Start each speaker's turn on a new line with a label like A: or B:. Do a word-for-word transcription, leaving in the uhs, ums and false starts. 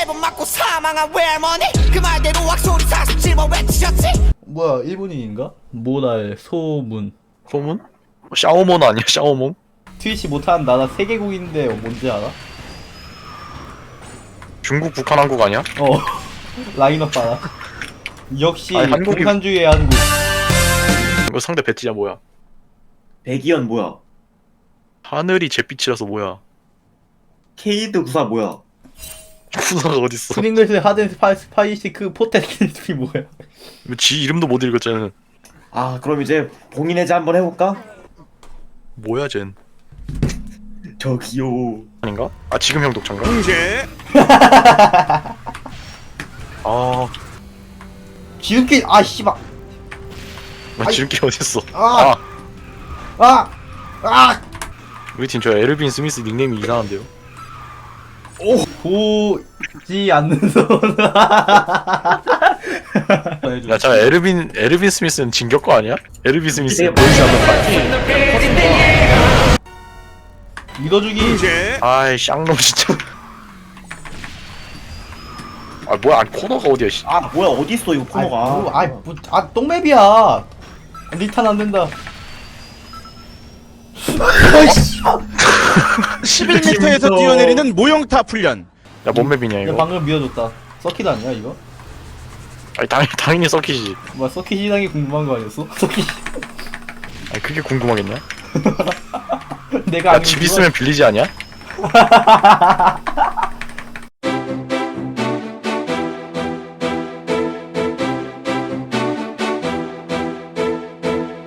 A: 번 맞고 사망한 외할머니 그 말대로 악소리 사십칠 번 외치셨지.
B: 뭐야 일본인인가? 모날 소문.
C: 소문? 샤오몬 아니야 샤오몬?
B: 트위치 못하는 나라 세 개국인데 뭔지 알아?
C: 중국, 북한, 한국 아니야?
B: 어 라인업 봐라. 역시
C: 아니, 한국이-
B: 공산주의의 한국.
C: 이거 상대 배지야 뭐야?
D: 백이연 뭐야?
C: 하늘이 잿빛이라서 뭐야?
D: 케이드 구사 뭐야?
C: 구사가 어딨어?
B: 프링글스 하든 스파, 스파이시크 포테킨스피 뭐야?
C: 지 이름도 못 읽었잖아.
D: 아 그럼 이제 봉인 해제 한번 해볼까?
C: 뭐야 쟨?
D: 저기요.
C: 아닌가? 아 지금 형 독창가?
E: 응제
C: 아,
B: 지름길 아 씨발.
C: 나 지름길 어딨어?
B: 아!
C: 아,
B: 아! 아!
C: 우리 팀 저 에르빈 스미스 닉네임이 이상한데요?
B: 보지 않는 손.
C: 야, 저 에르빈 에르빈 스미스는 진격거 아니야? 에르빈 스미스
D: 이게
C: 보이지 않는
B: 믿어주기.
E: 응제
C: 아이 쌍놈 진짜. 아 뭐야? 아니, 코너가 어디야? 씨.
D: 아 뭐야 어디 있어 이거 코너가?
B: 아, 뭐, 아이 뭐, 아 똥맵이야. 리탄 안 된다. 아이씨.
E: 십일 미터에서 뛰어내리는 모형탑 훈련.
C: 야, 뭔 맵이냐
B: 야
C: 이거?
B: 방금 미워줬다. 서킷 아니야 이거?
C: 아니 당연히 당연히 썩히지.
B: 뭐야 서킷 시장이 궁금한 거 아니었어? 서킷.
C: 아니 그게 궁금하겠냐?
B: 내가
C: 야,
B: 아니면
C: 집
B: 누가-
C: 있으면 빌리지 않냐?